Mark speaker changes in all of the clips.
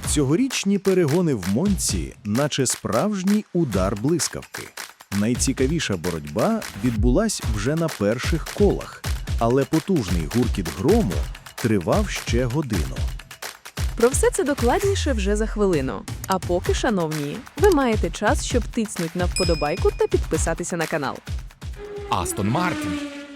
Speaker 1: Цьогорічні перегони в Монці, наче справжній удар блискавки. Найцікавіша боротьба відбулась вже на перших колах, але потужний гуркіт грому тривав ще годину.
Speaker 2: Про все це докладніше вже за хвилину. А поки, шановні, ви маєте час, щоб тицнуть на вподобайку та підписатися на канал.
Speaker 3: Астон Мартін.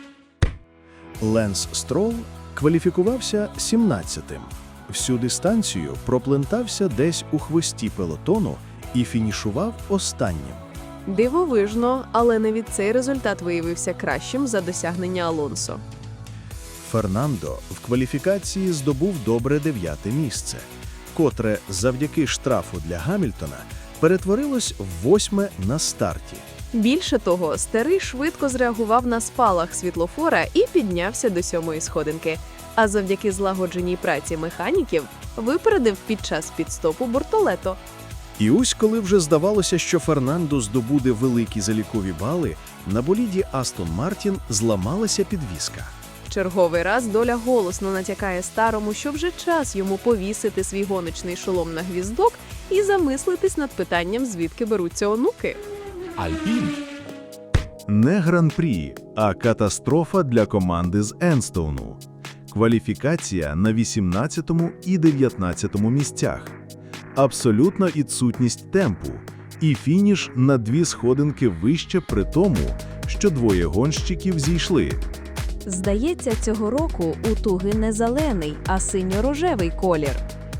Speaker 1: Ленс Стролл кваліфікувався 17-тим. Всю дистанцію проплентався десь у хвості пелотону і фінішував останнім.
Speaker 2: Дивовижно, але навіть цей результат виявився кращим за досягнення Алонсо.
Speaker 1: Фернандо в кваліфікації здобув добре 9-те місце, котре завдяки штрафу для Гамільтона перетворилось в 8-ме на старті.
Speaker 2: Більше того, старий швидко зреагував на спалах світлофора і піднявся до 7-ї сходинки. А завдяки злагодженій праці механіків випередив під час підстопу Бортолето.
Speaker 1: І ось коли вже здавалося, що Фернандо здобуде великі залікові бали, на боліді Астон Мартін зламалася підвіска.
Speaker 2: Черговий раз доля голосно натякає старому, що вже час йому повісити свій гоночний шолом на гвіздок і замислитись над питанням, звідки беруться онуки.
Speaker 3: Альпін.
Speaker 1: Не гран-прі, а катастрофа для команди з Енстоуну. Кваліфікація на 18-му і 19-му місцях. Абсолютна відсутність темпу. І фініш на 2 сходинки вище при тому, що двоє гонщиків зійшли.
Speaker 4: Здається, цього року у Туги не зелений, а синьо-рожевий колір.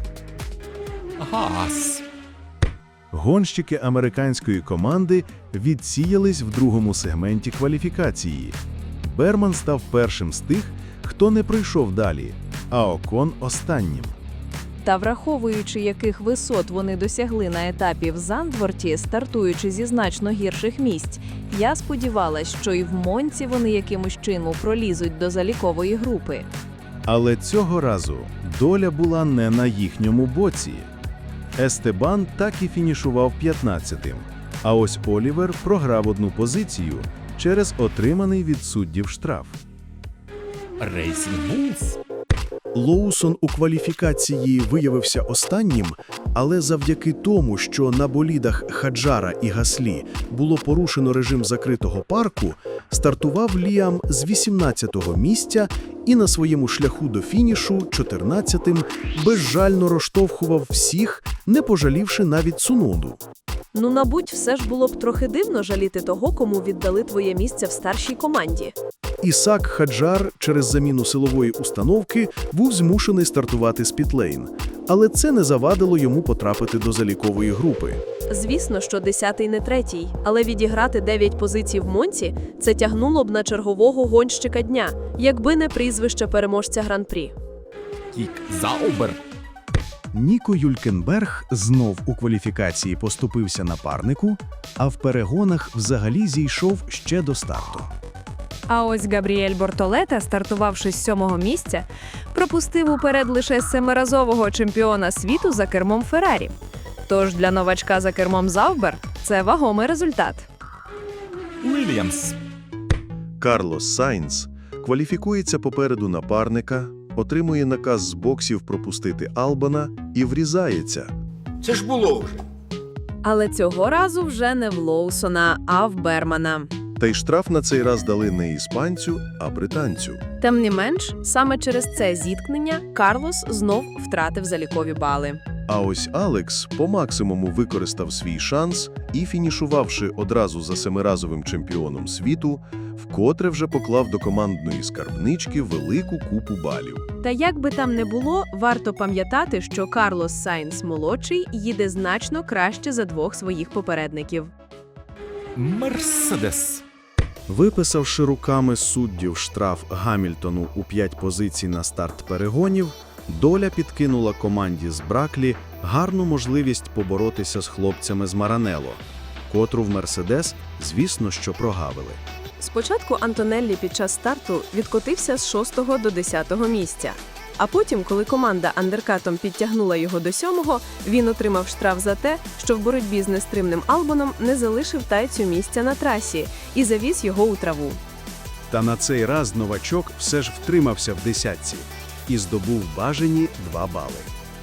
Speaker 3: Гаас.
Speaker 1: Гонщики американської команди відсіялись в другому сегменті кваліфікації. Берман став першим з тих, хто не пройшов далі, а Окон – останнім.
Speaker 4: Та враховуючи, яких висот вони досягли на етапі в Зандворті, стартуючи зі значно гірших місць, я сподівалась, що і в Монці вони якимось чином пролізуть до залікової групи.
Speaker 1: Але цього разу доля була не на їхньому боці. Естебан так і фінішував 15-тим, а ось Олівер програв одну позицію через отриманий від суддів штраф.
Speaker 3: Рейсінг Булс.
Speaker 1: Лоусон у кваліфікації виявився останнім, але завдяки тому, що на болідах Хаджара і Гаслі було порушено режим закритого парку, стартував Ліам з 18-го місця і на своєму шляху до фінішу 14-тим безжально розштовхував всіх, не пожалівши навіть Цуноду.
Speaker 2: Ну, мабуть, все ж було б трохи дивно жаліти того, кому віддали твоє місце в старшій команді.
Speaker 1: Ісак Хаджар через заміну силової установки був змушений стартувати з пітлейн, але це не завадило йому потрапити до залікової групи.
Speaker 2: Звісно, що 10-й не 3-й, але відіграти 9 позицій в Монці – це тягнуло б на чергового гонщика дня, якби не прізвище переможця Гран-прі.
Speaker 3: Кік Заубер.
Speaker 1: Ніко Юлькенберг знов у кваліфікації поступився напарнику, а в перегонах взагалі зійшов ще до старту.
Speaker 4: А ось Габріель Бортолета, стартувавши з 7-го місця, пропустив уперед лише 7-разового чемпіона світу за кермом Феррарі. Тож для новачка за кермом Заубер це вагомий результат.
Speaker 3: Уільямс.
Speaker 1: Карлос Сайнц кваліфікується попереду напарника, отримує наказ з боксів пропустити Албана і врізається.
Speaker 5: Це ж було вже.
Speaker 2: Але цього разу вже не в Лоусона, а в Бермана.
Speaker 1: Та й штраф на цей раз дали не іспанцю, а британцю.
Speaker 2: Тим не менш, саме через це зіткнення Карлос знов втратив залікові бали.
Speaker 1: А ось Алекс по максимуму використав свій шанс і, фінішувавши одразу за 7-разовим чемпіоном світу, вкотре вже поклав до командної скарбнички велику купу балів.
Speaker 2: Та як би там не було, варто пам'ятати, що Карлос Сайнц-молодший їде значно краще за 2 своїх попередників.
Speaker 3: Мерседес.
Speaker 1: Виписавши руками суддів штраф Гамільтону у 5 позицій на старт перегонів, доля підкинула команді з Браклі гарну можливість поборотися з хлопцями з Маранелло, котру в Мерседес, звісно, що прогавили.
Speaker 2: Спочатку Антонеллі під час старту відкотився з 6-го до 10-го місця. А потім, коли команда андеркатом підтягнула його до 7-го, він отримав штраф за те, що в боротьбі з нестримним Албоном не залишив тайцю місця на трасі і завіз його у траву.
Speaker 1: Та на цей раз новачок все ж втримався в десятці і здобув бажані 2 бали.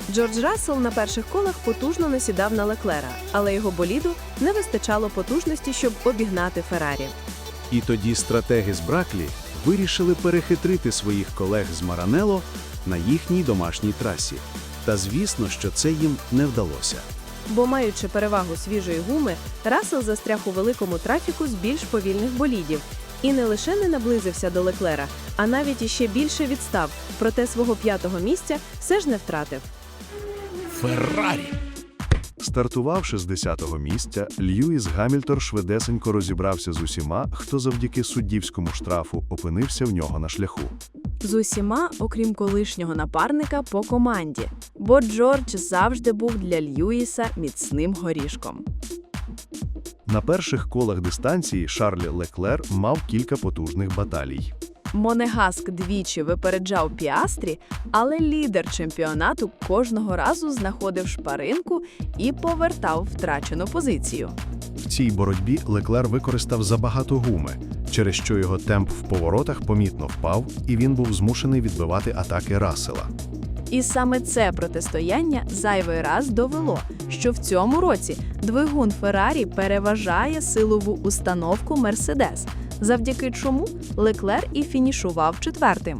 Speaker 2: Джордж Рассел на перших колах потужно насідав на Леклера, але його боліду не вистачало потужності, щоб обігнати Феррарі.
Speaker 1: І тоді стратеги з Браклі вирішили перехитрити своїх колег з Маранелло на їхній домашній трасі. Та звісно, що це їм не вдалося.
Speaker 2: Бо, маючи перевагу свіжої гуми, Рассел застряг у великому трафіку з більш повільних болідів. І не лише не наблизився до Леклера, а навіть іще більше відстав, проте свого 5-го місця все ж не втратив.
Speaker 3: Феррарі.
Speaker 1: Стартувавши з 10-го місця, Льюіс Гамільтон швидесенько розібрався з усіма, хто завдяки суддівському штрафу опинився в нього на шляху.
Speaker 4: З усіма, окрім колишнього напарника по команді, бо Джордж завжди був для Льюіса міцним горішком.
Speaker 1: На перших колах дистанції Шарль Леклер мав кілька потужних баталій.
Speaker 4: Монегаск двічі випереджав Піастрі, але лідер чемпіонату кожного разу знаходив шпаринку і повертав втрачену позицію.
Speaker 1: В цій боротьбі Леклер використав забагато гуми, через що його темп в поворотах помітно впав, і він був змушений відбивати атаки Рассела.
Speaker 4: І саме це протистояння зайвий раз довело, що в цьому році двигун Феррарі переважає силову установку Мерседес, завдяки чому Леклер і фінішував 4-тим.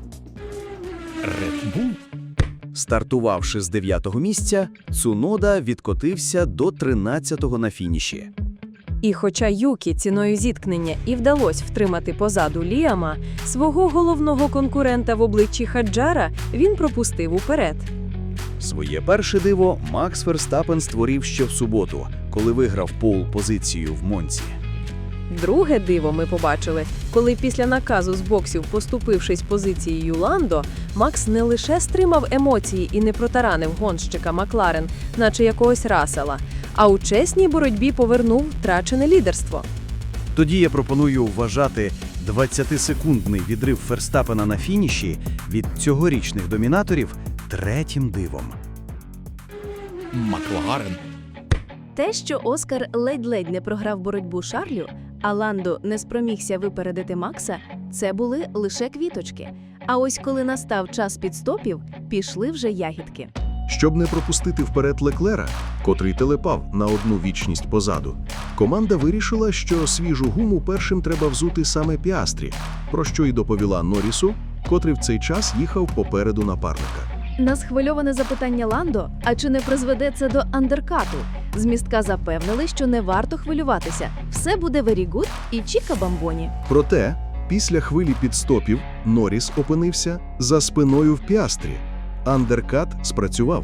Speaker 3: Red Bull.
Speaker 5: Стартувавши з 9-го місця, Цунода відкотився до 13-го на фініші.
Speaker 2: І хоча Юкі ціною зіткнення і вдалося втримати позаду Ліама, свого головного конкурента в обличчі Хаджара він пропустив уперед.
Speaker 5: Своє перше диво Макс Ферстаппен створив ще в суботу, коли виграв пол-позицію в Монці.
Speaker 2: Друге диво ми побачили, коли після наказу з боксів, поступившись позицією Ландо, Макс не лише стримав емоції і не протаранив гонщика Макларен, наче якогось Рассела, а у чесній боротьбі повернув втрачене лідерство.
Speaker 5: Тоді я пропоную вважати 20-секундний відрив Ферстаппена на фініші від цьогорічних домінаторів третім дивом.
Speaker 3: Макларен.
Speaker 2: Те, що Оскар ледь-ледь не програв боротьбу Шарлю, а Ландо не спромігся випередити Макса, це були лише квіточки. А ось коли настав час підстопів, пішли вже ягідки.
Speaker 1: Щоб не пропустити вперед Леклера, котрий телепав на одну вічність позаду, команда вирішила, що свіжу гуму першим треба взути саме Піастрі, про що й доповіла Норрісу, котрий в цей час їхав попереду напарника.
Speaker 4: На схвильоване запитання Ландо, а чи не призведе це до андеркату, з містка запевнили, що не варто хвилюватися. Все буде very good і чіка бамбоні.
Speaker 1: Проте, після хвилі підстопів Норріс опинився за спиною в Піастрі. Андеркат спрацював.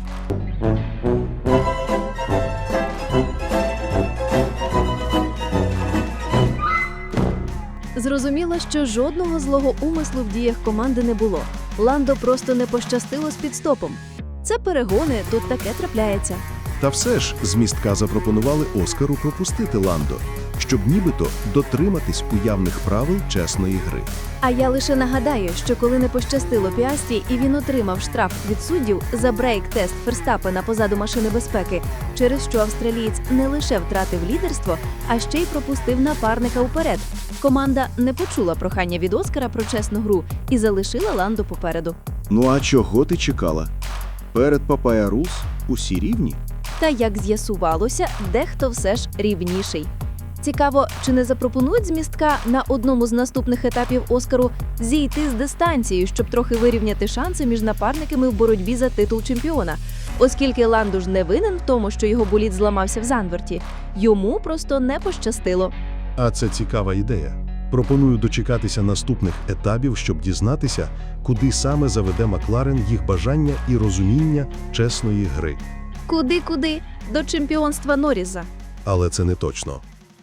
Speaker 4: Зрозуміло, що жодного злого умислу в діях команди не було. Ландо просто не пощастило з підстопом. Це перегони, тут таке трапляється.
Speaker 1: Та все ж з містка запропонували Оскару пропустити Ландо, щоб нібито дотриматись уявних правил чесної гри.
Speaker 4: А я лише нагадаю, що коли не пощастило Піастрі і він отримав штраф від суддів за брейк-тест Ферстаппена позаду машини безпеки, через що австралієць не лише втратив лідерство, а ще й пропустив напарника уперед. Команда не почула прохання від Оскара про чесну гру і залишила Ландо попереду.
Speaker 1: Ну а чого ти чекала? Перед Папая Рус усі рівні?
Speaker 4: Та, як з'ясувалося, дехто все ж рівніший. Цікаво, чи не запропонують з містка на одному з наступних етапів Оскару зійти з дистанцією, щоб трохи вирівняти шанси між напарниками в боротьбі за титул чемпіона. Оскільки Ландо ж не винен в тому, що його болід зламався в Занверті, йому просто не пощастило.
Speaker 1: А це цікава ідея. Пропоную дочекатися наступних етапів, щоб дізнатися, куди саме заведе Макларен їх бажання і розуміння чесної гри.
Speaker 4: Куди-куди? До чемпіонства Норріса.
Speaker 1: Але це не точно.